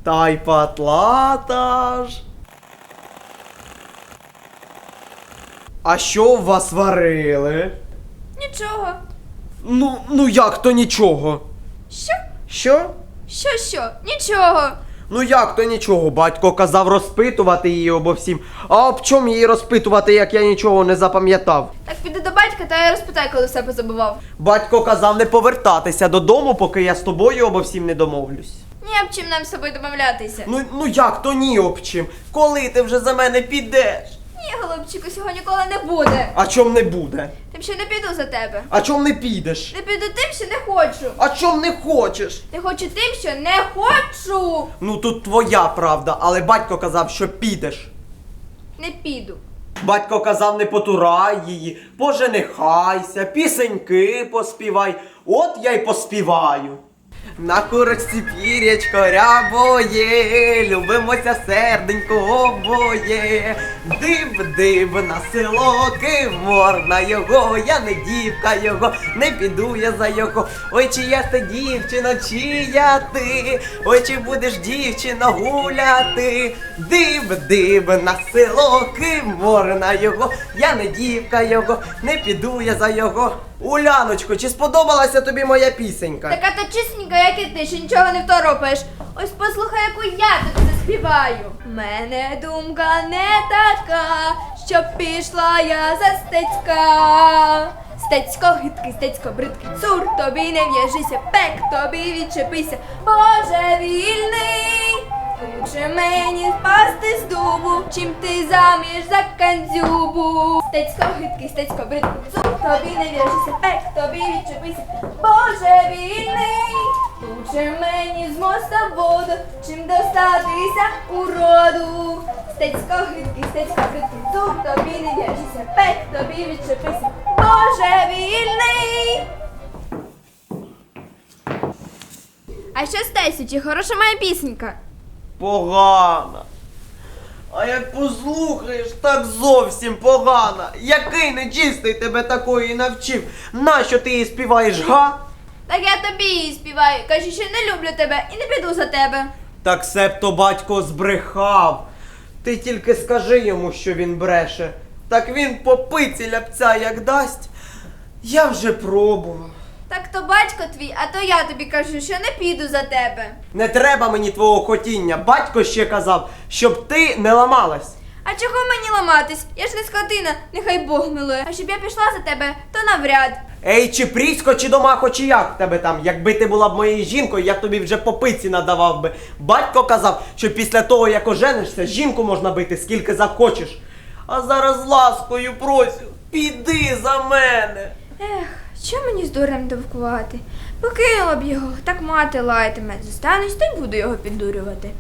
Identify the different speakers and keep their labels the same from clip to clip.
Speaker 1: та й патлата ж. А що у вас варили?
Speaker 2: Нічого.
Speaker 1: Ну як то нічого?
Speaker 2: Що?
Speaker 1: Що?
Speaker 2: Що? Нічого.
Speaker 1: Ну як то нічого? Батько казав розпитувати її обо всім. А об чому її розпитувати, як я нічого не запам'ятав?
Speaker 2: Так піди до батька та я розпитай, коли все позабував.
Speaker 1: Батько казав не повертатися додому, поки я з тобою обо всім не домовлюсь.
Speaker 2: Ні об чим нам з собою домовлятися.
Speaker 1: Ну як то ні об чим? Коли ти вже за мене підеш?
Speaker 2: Ні, голубчику, цього ніколи не буде.
Speaker 1: А чом не буде?
Speaker 2: Тим, що не піду за тебе.
Speaker 1: А чом не підеш?
Speaker 2: Не піду тим, що не хочу.
Speaker 1: А чом не хочеш?
Speaker 2: Не хочу тим, що не хочу.
Speaker 1: Ну тут твоя правда, але батько казав, що підеш.
Speaker 2: Не піду.
Speaker 1: Батько казав, не потурай її, поженихайся, пісеньки поспівай. От я й поспіваю. На курочці пірячко рябоє, любимося серденько обоє. Див на село киворна його, я не дівка його, не піду я за його. Ой, чия ти дівчина, чия ти, ой, чи будеш дівчина гуляти. Див на село киворна його, я не дівка його, не піду я за його. Уляночко, чи сподобалася тобі моя пісенька?
Speaker 2: Така то чисненька, як і ти, що нічого не второпаєш. Ось послухай, яку я тобі заспіваю. Мене думка не така, щоб пішла я за Стецька. Стецько гидкий, Стецько бридкий, цур, тобі не в'яжися, пек, тобі відчепися, божевільний. Лучше мені впасти з дубу, чим ти заміж за кандзюбу. Стецько гидкий, Стецько бридкий, цур, тобі не в'яжися, пек, тобі відчепися, божевільний. Лучше мені з моста в воду, чим достатися уроду. Стецько гидкий, Стецько бридкий, цур, тобі не в'яжися, пек, тобі відчепися, божевільний. А що Стесю, чи хороша моя пісенька?
Speaker 1: Погана. А як послухаєш, так зовсім погана. Який нечистий тебе такої навчив? Нащо ти її співаєш, га?
Speaker 2: Так я тобі її співаю, кажу, що не люблю тебе і не піду за тебе.
Speaker 1: Так себто батько збрехав. Ти тільки скажи йому, що він бреше. Так він по пиці ляпця як дасть. Я вже пробував.
Speaker 2: Так то батько твій, а то я тобі кажу, що не піду за тебе.
Speaker 1: Не треба мені твого хотіння. Батько ще казав, щоб ти не ламалась.
Speaker 2: А чого мені ламатись? Я ж не скотина, нехай Бог милує. А щоб я пішла за тебе, то навряд.
Speaker 1: Ей, чи Прісько, чи Домахо, чи як в тебе там? Якби ти була б моєю жінкою, я б тобі вже по пиці надавав би. Батько казав, що після того, як оженишся, жінку можна бити скільки захочеш. А зараз ласкою просю, піди за мене.
Speaker 2: Ех, що мені з дурем довкувати? Покинула б його, так мати лаятиме. Зостанусь, та й буду його піддурювати.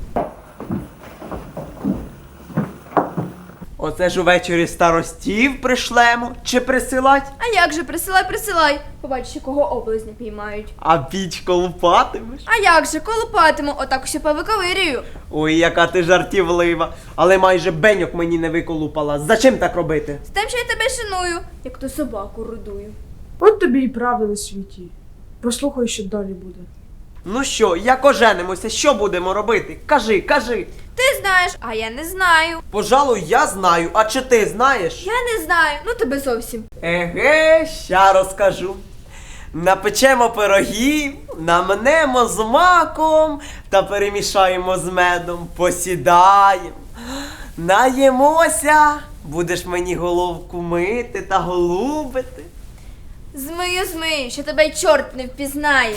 Speaker 1: Оце ж увечері старостів пришлемо, чи присилать?
Speaker 2: А як же, присилай. Побачиш, якого облизня піймають.
Speaker 1: А піч колупатимеш?
Speaker 2: А як же, колупатиму, отак усе повиковирюю.
Speaker 1: Ой, яка ти жартівлива. Але майже беньок мені не виколупала. Зачим так робити?
Speaker 2: З тим, що я тебе шаную, як то собаку рудую.
Speaker 3: От тобі і правда на світі. Послухай, що далі буде.
Speaker 1: Ну що, як оженимося, що будемо робити? Кажи.
Speaker 2: Ти знаєш, а я не знаю.
Speaker 1: Пожалуй, я знаю, а чи ти знаєш?
Speaker 2: Я не знаю, ну тебе зовсім.
Speaker 1: Еге, ща розкажу. Напечемо пирогів, намнемо з маком та перемішаємо з медом, посідаємо, наїмося, будеш мені головку мити та голубити.
Speaker 2: Змию, що тебе й чорт не впізнає.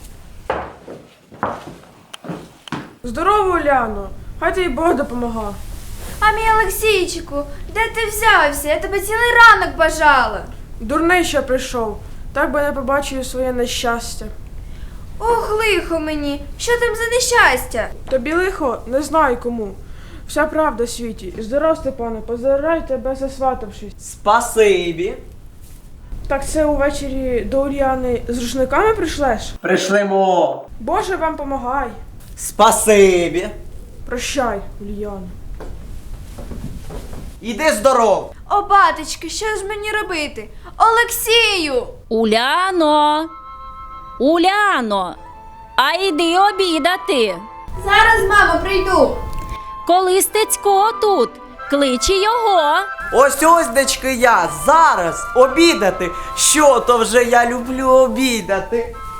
Speaker 3: Здорово, Уляно! Хай тобі Бог допомога.
Speaker 2: А мій Олексійчику, де ти взявся? Я тебе цілий ранок бажала.
Speaker 3: Дурний ще прийшов. Так би не побачив своє нещастя.
Speaker 2: Ох, лихо мені, що там за нещастя?
Speaker 3: Тобі лихо, не знаю кому. Вся правда в світі. Здоров, Степане, поздравляю тебе засватавшись.
Speaker 1: Спасибі.
Speaker 3: Так це увечері до Ульяни з рушниками прийшлеш?
Speaker 1: Пришлемо.
Speaker 3: Боже вам помагай.
Speaker 1: Спасибі.
Speaker 3: Прощай, Ульяна.
Speaker 1: Іди здоров.
Speaker 2: О, батечки, що ж мені робити? Олексію!
Speaker 4: Уляно! Уляно! А йди обідати!
Speaker 2: Зараз, мамо, прийду.
Speaker 4: Коли Стецько тут, кличе його.
Speaker 1: Ось, дечки, я зараз обідати. Що то вже я люблю обідати.